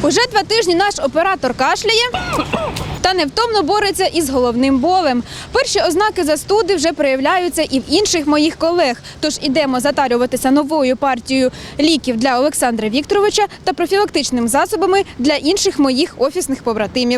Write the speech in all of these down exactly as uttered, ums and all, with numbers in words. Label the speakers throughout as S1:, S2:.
S1: Уже два тижні наш оператор кашляє та невтомно бореться із головним болем. Перші ознаки застуди вже проявляються і в інших моїх колег. Тож ідемо затарюватися новою партією ліків для Олександра Вікторовича та профілактичними засобами для інших моїх офісних побратимів.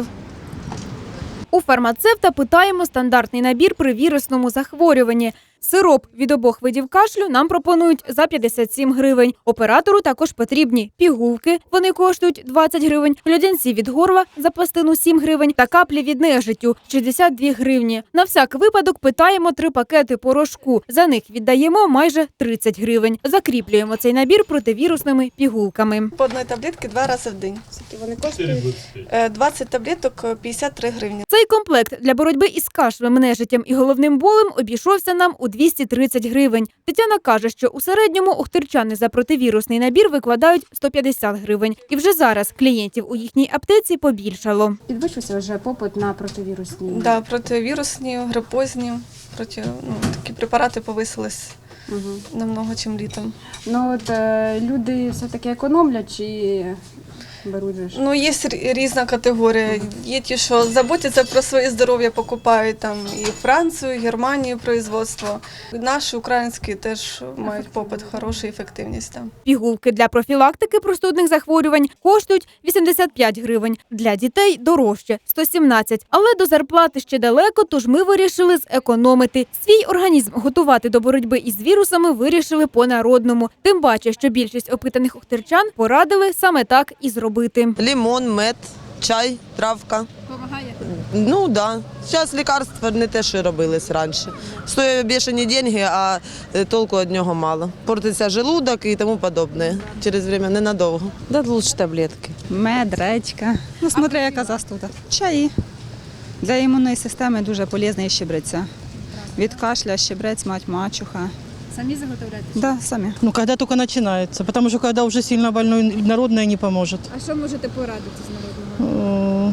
S1: У фармацевта питаємо стандартний набір при вірусному захворюванні. Сироп від обох видів кашлю нам пропонують за п'ятдесят сім гривень. Оператору також потрібні пігулки, вони коштують двадцять гривень, льодянці від горла за пластину сім гривень та каплі від нежиттю – шістдесят дві гривні. На всяк випадок питаємо три пакети порошку, за них віддаємо майже тридцять гривень. Закріплюємо цей набір противірусними пігулками.
S2: По одній таблетці два рази в день. Скільки вони коштують? двадцять таблеток – п'ятдесят три гривні.
S1: Цей комплект для боротьби із кашлем, нежиттям і головним болем обійшовся нам у двісті тридцять гривень. Тетяна каже, що у середньому охтирчани за противірусний набір викладають сто п'ятдесят гривень. І вже зараз клієнтів у їхній аптеці побільшало.
S3: Підвищився вже попит на противірусні?
S2: Так, да, противірусні, грипозні, проти, ну, такі препарати повисились угу. намного, чим літом.
S3: Ну от е, люди все-таки економлять чи беруть же?
S2: Ну, є різна категорія. Є ті, що заботяться про своє здоров'я, покупають там і Францію, і Германію производство. Наші українські теж мають попит, хорошу ефективність там.
S1: Пігулки для профілактики простудних захворювань коштують вісімдесят п'ять гривень. Для дітей дорожче – сто сімнадцять. Але до зарплати ще далеко, тож ми вирішили зекономити. Свій організм готувати до боротьби із вірусами вирішили по-народному. Тим паче, що більшість опитаних охтирчан порадили саме так і зробити.
S4: Лимон, мед, чай, травка.
S1: Помагає?
S4: Ну так. Да. Зараз лікарства не те, що робились раніше. Стоять бешені гроші, а толку від нього мало. Портиться желудок і тому подобне. Через час ненадовго.
S5: Да, лучше таблетки.
S6: Мед, редька, ну, смотря яка застуда. Чаї. Для імунної системи дуже полезний щебреця. Від кашля щебрець, мать, мачуха.
S1: Самі заготовляєте?
S6: Да, самі.
S7: Ну, когда только начинается, потому что когда уже сильно больной, народное не поможет.
S1: А що можете порадити з народного?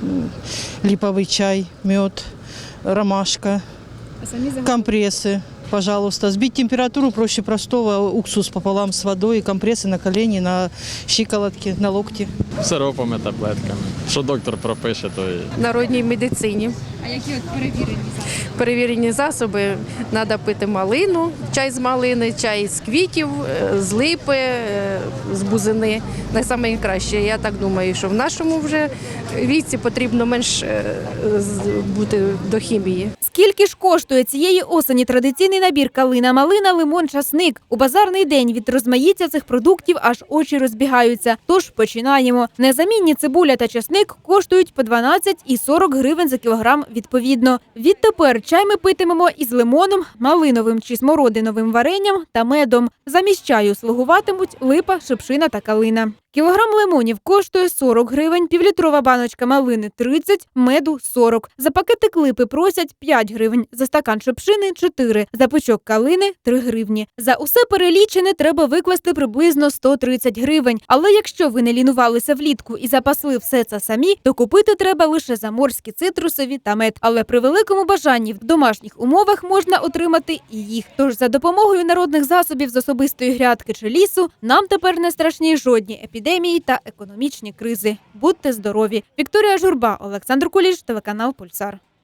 S7: Липовый чай, мед, ромашка,
S1: А самі заготовляєте?
S7: компрессы. Пожалуйста, сбить температуру проще простого, уксус пополам с водой, компрессы на колени, на щиколотки, на локти.
S8: Сиропами, таблетками. Що доктор пропише, то і...
S9: Народній медицині.
S1: А які от перевірені засоби?
S9: Перевірені засоби треба пити малину, чай з малини, чай з квітів, з липи, з бузини. Найкраще. Я так думаю, що в нашому вже віці потрібно менш бути до хімії.
S1: Скільки ж коштує цієї осені традиційний набір калина, малина, лимон, часник? У базарний день від розмаїття цих продуктів аж очі розбігаються. Тож починаємо. Незамінні цибуля та часник коштують по дванадцять і сорок гривень за кілограм відповідно. Відтепер чай ми питимемо із лимоном, малиновим чи смородиновим варенням та медом. Замість чаю слугуватимуть липа, шипшина та калина. Кілограм лимонів коштує сорок гривень, півлітрова баночка малини – тридцять, меду – сорок. За пакетик липи просять п'ять гривень, за стакан шипшини – чотири, за пучок калини – три гривні. За усе перелічене треба викласти приблизно сто тридцять гривень. Але якщо ви не лінувалися влітку і запасли все це самі, то купити треба лише заморські цитрусові та мед. Але при великому бажанні в домашніх умовах можна отримати і їх. Тож за допомогою народних засобів з особистої грядки чи лісу нам тепер не страшні жодні епідемії. Епідемії та економічні кризи. Будьте здорові! Вікторія Журба, Олександр Куліш, телеканал Пульсар.